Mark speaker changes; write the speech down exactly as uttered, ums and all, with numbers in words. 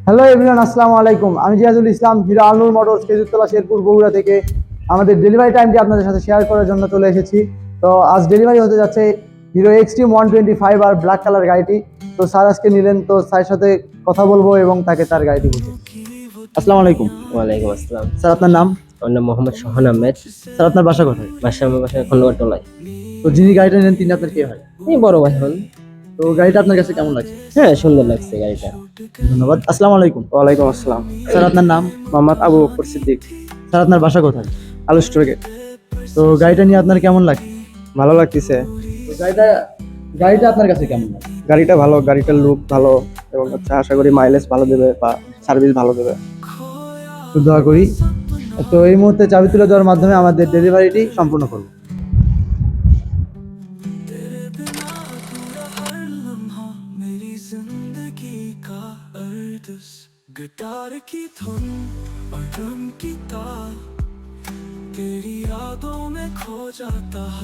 Speaker 1: Hello everyone, আসসালামু আলাইকুম। আমি জিয়াদুল ইসলাম, হিরো আলনুর মোটরস, খেজুরতলা, শেরপুর, বগুড়া থেকে আমাদের ডেলিভারি টাইমটি আপনাদের সাথে শেয়ার করার জন্য চলে এসেছি। তো আজ ডেলিভারি হতে যাচ্ছে Hero Xtreme one twenty five আর ব্ল্যাক কালার গাড়িটি। তো স্যার আজকে নিলেন, তো স্যারের সাথে কথা বলবো এবং তাকে তার গাড়িটি বুঝে। আসসালামু আলাইকুম।
Speaker 2: ওয়ালাইকুম আসসালাম।
Speaker 1: স্যার, আপনার নাম?
Speaker 2: আমার নাম মোহাম্মদ সোহান আহমেদ।
Speaker 1: স্যার, আপনার বাসা কোথায়?
Speaker 2: বাসা আমার বাসায় খন্ডগড় টোলায়।
Speaker 1: তো যিনি গাড়িটা নিলেন তিনি আপনার কে হয়?
Speaker 2: এই বড় ভাই হন।
Speaker 1: তো গাড়িটা আপনার কাছে কেমন লাগছে?
Speaker 2: হ্যাঁ, সুন্দর লাগছে গাড়িটা।
Speaker 1: ধন্যবাদ। আসসালামু আলাইকুম।
Speaker 3: ওয়ালাইকুম আসসালাম।
Speaker 1: স্যার, আপনার নাম?
Speaker 3: মোহাম্মদ আবু বকর সিদ্দিক,
Speaker 1: স্যার, আপনার বাসা কোথায়?
Speaker 3: আলুস্ট্রগে।
Speaker 1: তো গাড়িটা নিয়ে আপনার কেমন লাগছে?
Speaker 3: ভালো লাগতেছে।
Speaker 1: তো গাড়িটা গাড়িটা আপনার কাছে কেমন লাগে?
Speaker 3: গাড়িটা ভালো, গাড়িটার লুক ভালো এবং হচ্ছে আশা করি মাইলেজ ভালো দেবে বা সার্ভিস ভালো দেবে।
Speaker 1: তো দোয়া করি। তো এই মুহূর্তে চাবি তুলে দেওয়ার মাধ্যমে আমাদের ডেলিভারিটি সম্পূর্ণ করব।
Speaker 4: गिटार की धुन और ड्रम की ताल तेरी यादों में खो जाता है।